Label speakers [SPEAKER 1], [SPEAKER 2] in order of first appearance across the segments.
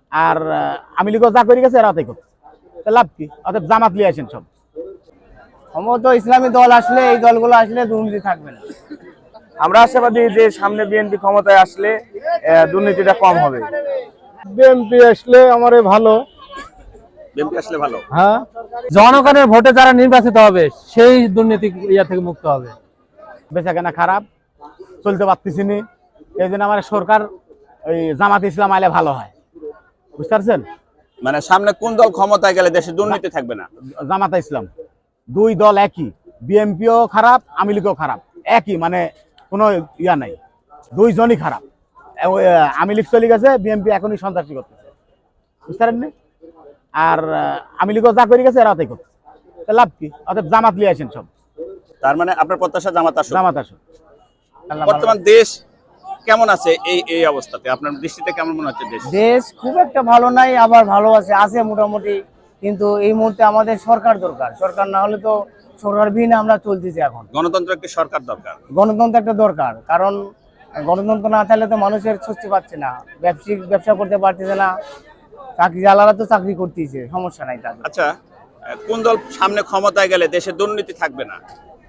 [SPEAKER 1] আর আমি লীগও যা করে গেছে এরা তাই করছে, লাভ কি? অতএব জামাত লিয়ে আসেন সব।
[SPEAKER 2] সম্ভবত ইসলামী দল আসলে, এই দলগুলো আসলে দুর্নীতি থাকবে না।
[SPEAKER 3] আমরা আশাবাদী যে সামনে বিএনপি ক্ষমতায় আসলে দুর্নীতিটা কম হবে।
[SPEAKER 4] বিএনপি আসলে আমারে ভালো।
[SPEAKER 3] বিএনপি আসলে ভালো।
[SPEAKER 4] হ্যাঁ,
[SPEAKER 5] জনগণের ভোটে যারা নির্বাচিত হবে সেই দুর্নীতি থেকে মুক্ত হবে।
[SPEAKER 1] বেচা কেনা খারাপ, চলতে পারতেছি নি, এই জন্য আমার সরকার ওই জামাত ইসলাম আইলে ভালো হয়, বুঝতে পারছেন?
[SPEAKER 3] মানে সামনে কোন দল ক্ষমতায় গেলে দেশে দুর্নীতি থাকবে না?
[SPEAKER 1] জামাত ইসলাম। দুই দল একই, বিএনপিও খারাপ, আওয়ামী লীগও খারাপ, একই, মানে কোনো ইয়া নাই, দুইজনই খারাপ। আওয়ামী লীগ চলে গেছে, বিএনপি এখনই সন্ত্রাসী করতেছে, বুঝতে পারেননি? আর আওয়ামী লীগও যা করে গেছে এরা তাই করছে, লাভ কি? অতএব জামাত লিয়ে আসেন সব।
[SPEAKER 3] তার মানে আপনার প্রত্যাশা জামাত আসুক।
[SPEAKER 1] জামাত আসুক।
[SPEAKER 3] বর্তমান দেশ কেমন আছে এই অবস্থাতে? আপনার দৃষ্টিতে কেমন মনে হচ্ছে দেশ?
[SPEAKER 2] দেশ খুব একটা ভালো নাই, আবার ভালো আছে, আছে মোটামুটি। কিন্তু এই মুহূর্তে আমাদের সরকার দরকার। সরকার না হলে তো, সরকারবিহীন আমরা চলতেছি এখন।
[SPEAKER 3] গণতন্ত্র একটি সরকার দরকার।
[SPEAKER 2] গণতন্ত্র একটা দরকার, কারণ গণতন্ত্র না থাকলে তো মানুষের স্বস্তি পাচ্ছে না, ব্যবসায়িক ব্যবসা করতে পারতেছে না, চাকরি আলাদা তো চাকরি করতেছে, সমস্যা নাই তাদের।
[SPEAKER 3] আচ্ছা, কোন দল সামনে ক্ষমতায় গেলে দেশে দুর্নীতি থাকবে না?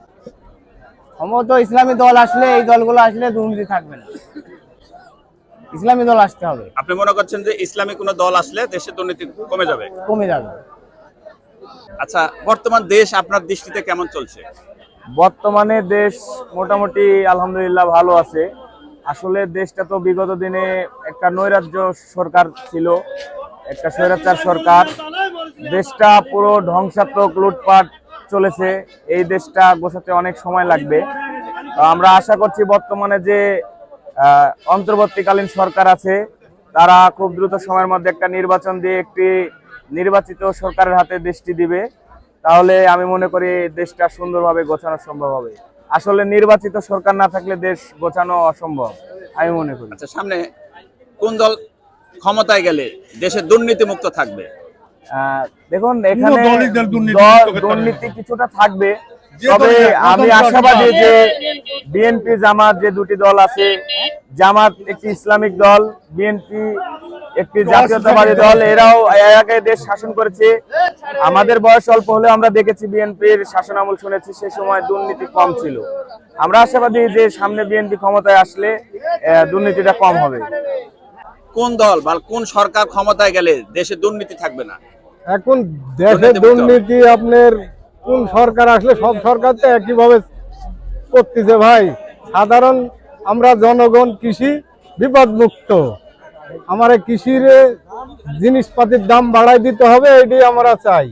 [SPEAKER 2] সম্ভবত ইসলামী দল আসলে, এই দলগুলো আসলে দুর্নীতি থাকবে না। ইসলামী দল আসতে হবে।
[SPEAKER 3] আপনি মনে করছেন যে ইসলামী কোন দল আসলে দেশে দুর্নীতি কমে যাবে?
[SPEAKER 2] কমে যাবে।
[SPEAKER 3] আচ্ছা, বর্তমান দেশ আপনার দৃষ্টিতে কেমন চলছে?
[SPEAKER 4] বর্তমানে দেশ মোটামুটি আলহামদুলিল্লাহ ভালো আছে। আসলে দেশটা তো বিগত দিনে একটা নৈরাজ্য সরকার ছিল, একটা স্বৈরাচার সরকার। দেশটা পুরো ধ্বংসাত্মক, লুটপাট চলেছে। এই দেশটা গোছাতে অনেক সময় লাগবে। তো আমরা আশা করছি বর্তমানে যে অন্তর্বর্তীকালীন সরকার আছে, তারা খুব দ্রুত সময়ের মধ্যে একটা নির্বাচন দিয়ে একটি নির্বাচিত সরকারের হাতে দেশটি দিবে। তাহলে আমি মনে করি দেশটা সুন্দরভাবে গোছানো সম্ভব হবে। আসলে নির্বাচিত সরকার না থাকলে দেশ গোছানো অসম্ভব আমি মনে করি।
[SPEAKER 3] আচ্ছা, সামনে কোন দল ক্ষমতায় গেলে দেশে দুর্নীতি মুক্ত থাকবে?
[SPEAKER 4] দেখুন, এখানে দুর্নীতি কিছুটা থাকবে, তবে আমি আশাবাদী যে বিএনপি জামাত যে দুটি দল আছে, জামাত একটি ইসলামিক দল, বিএনপি একটি জাতীয়তাবাদী দল, এরাও এর আগে দেশ শাসন করেছে। আমাদের বয়স অল্প হলেও আমরা দেখেছি বিএনপির শাসন আমল শুনেছি, সে সময় দুর্নীতি কম ছিল। আমরা আশাবাদী যে সামনে বিএনপি ক্ষমতায় আসলে দুর্নীতিটা কম হবে।
[SPEAKER 3] কোন দল বা কোন সরকার ক্ষমতায় গেলে দেশে দুর্নীতি থাকবে না?
[SPEAKER 4] এখন দেশে দুর্নীতি আপনার কোন সরকার আসলে, সব সরকার তো একইভাবে করতেছে ভাই। সাধারণ আমরা জনগণ কৃষি বিপদ মুক্ত, আমার কৃষির জিনিসপাতির দাম বাড়াই দিতে হবে, এটাই আমরা চাই।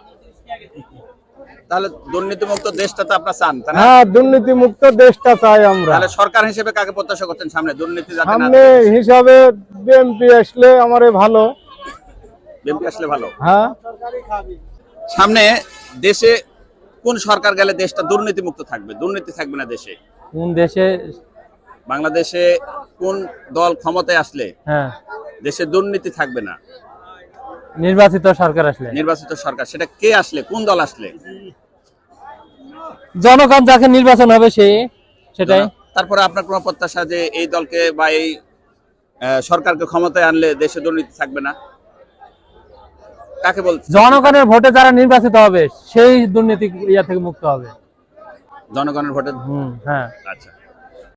[SPEAKER 3] তাহলে দুর্নীতি মুক্ত দেশটা তো আপনারা চান, তাই না?
[SPEAKER 4] হ্যাঁ, দুর্নীতি মুক্ত দেশটা চাই আমরা।
[SPEAKER 3] তাহলে সরকার হিসেবে কাকে প্রত্যাশা করছেন সামনে দুর্নীতি যাতে না
[SPEAKER 4] সামনে হিসাবে বিএনপি আসলে আমারে ভালো।
[SPEAKER 3] বিএনপি আসলে ভালো।
[SPEAKER 4] হ্যাঁ,
[SPEAKER 3] সামনে দেশে কোন সরকার গেলে দেশটা দুর্নীতি মুক্ত থাকবে, দুর্নীতি থাকবে না দেশে?
[SPEAKER 5] কোন দেশে?
[SPEAKER 3] বাংলাদেশে কোন দল ক্ষমতায় আসলে
[SPEAKER 5] হ্যাঁ,
[SPEAKER 3] দেশে দুর্নীতি থাকবে না?
[SPEAKER 5] নির্বাচিত সরকার আসলে।
[SPEAKER 3] নির্বাচিত সরকার, সেটা কে আসলে, কোন দল আসলে?
[SPEAKER 5] জনগণ যাকে নির্বাচন হবে সেটাই।
[SPEAKER 3] তারপরে আপনার কোনো প্রত্যাশা যে এই দলকে বা এই সরকারকে ক্ষমতায় আনলে দেশে দুর্নীতি থাকবে না? কাকে বলছেন?
[SPEAKER 5] জনগণের ভোটে যারা নির্বাচিত হবে সেই দুর্নীতি থেকে মুক্ত হবে।
[SPEAKER 3] জনগণের ভোটে।
[SPEAKER 5] হ্যাঁ।
[SPEAKER 3] আচ্ছা।